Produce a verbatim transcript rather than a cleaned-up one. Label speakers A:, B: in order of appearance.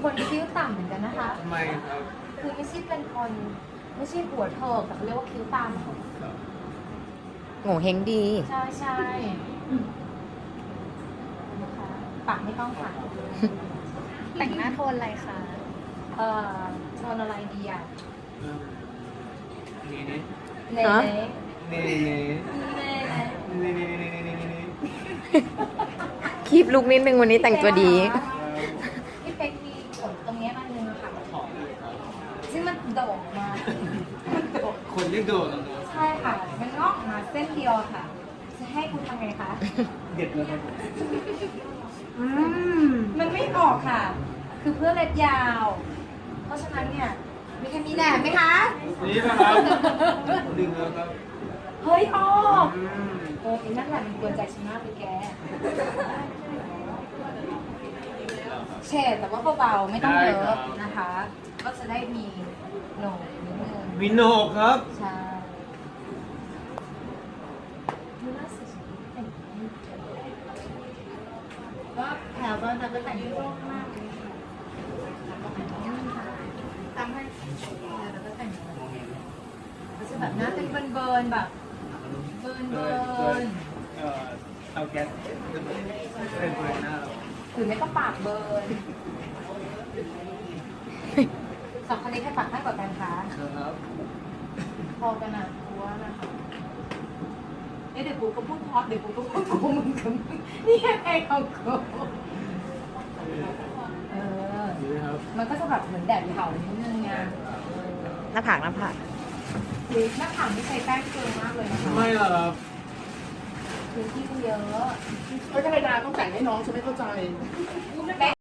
A: คนคิ้วต่ำเหมือนกันนะคะ
B: ทำไมครับ
A: คือไม่ใช่เป็นคนไม่ใช่หัวเถิกแต่เขาเรียกว่าคิ้วต่ำ
C: โง่เฮงดี
A: ใช่ใช่นะคะปากไม่ต้องค่ะ
D: แต่งหน้าโทนอะไรคะ
A: เอ่อโทนอะไรดีอ่ะ
B: นี่นี่
A: เน่
C: ฮะ
A: เน่
B: นี่นี่
A: เน่
B: นี่นี่นี่นี่นี่นี่นี่
C: คีบลุกนิดนึงวันนี้แต่งตัวดี
A: พี่เป๊กมีขนตรงเนี้ยมันนึงอะค่ะ
B: ขอบเลยครับ
A: ซึ่งมันโด่งมามันโด่ง
B: คนเรียกโดด
A: ใช่ค่ะ มันงอกออกมาเส้นเดียวอะค่ะ จะให้คุณทำไงคะ
B: เด็ดเลยครับผม
A: มันไม่ออกค่ะ คือเพื่อเล็บยาว เพราะฉะนั้นเนี่ย มีแค่มีแหนบไหมคะ
B: นี่นะครับดึงแล้วครับ
A: เฮ้ยออก
B: อืม
A: เออไอ้นั่นแหละมันกวนใจฉันมากเลยแก เฉดแต่ว่าเบาๆ ไม่ต้องเยอะนะคะ ก็จะได้มีโหนกนิดนึง
B: วินโนกครับ
A: ใช่ดูน่าสวยแต่งก็แถวบ้านเราก็แต่งโล่งมากเลยค่ะทำให้เราก็แต่งก็จะแบบหน้าเป็นเบิร์นๆแบบเบิร์น
B: เอ
A: เบิ
B: อ
A: ร์น
B: เอ่อเตาแก๊สเป็นเปิดหน้าเรา
A: หรือไม่ก็ปากเบิร์นสองคนนี้ใครปากให้กว่ากันคะ
B: ครับ
A: พอกันอ่ะกูว่านะคะเดี๋ยวกูก็พูดพอดเดี๋ยวกูก็พูดกูมึงกับมึงนี่ยังไงของกูเออ
B: ดีครับ
A: มันก็จะแบบเหมือนแดดเผานิดนึงไง
C: หน้าผากหน้าผาก
A: คือหน้าผากไม่ใช้แป้งเกินมากเลยนะคะ
B: ไม่หรอกครับ
A: คือที่มันเยอะ
E: ไม่ธรรมดาต้องแต่งให้น้องฉันไม่เข้าใจ
A: แป้ง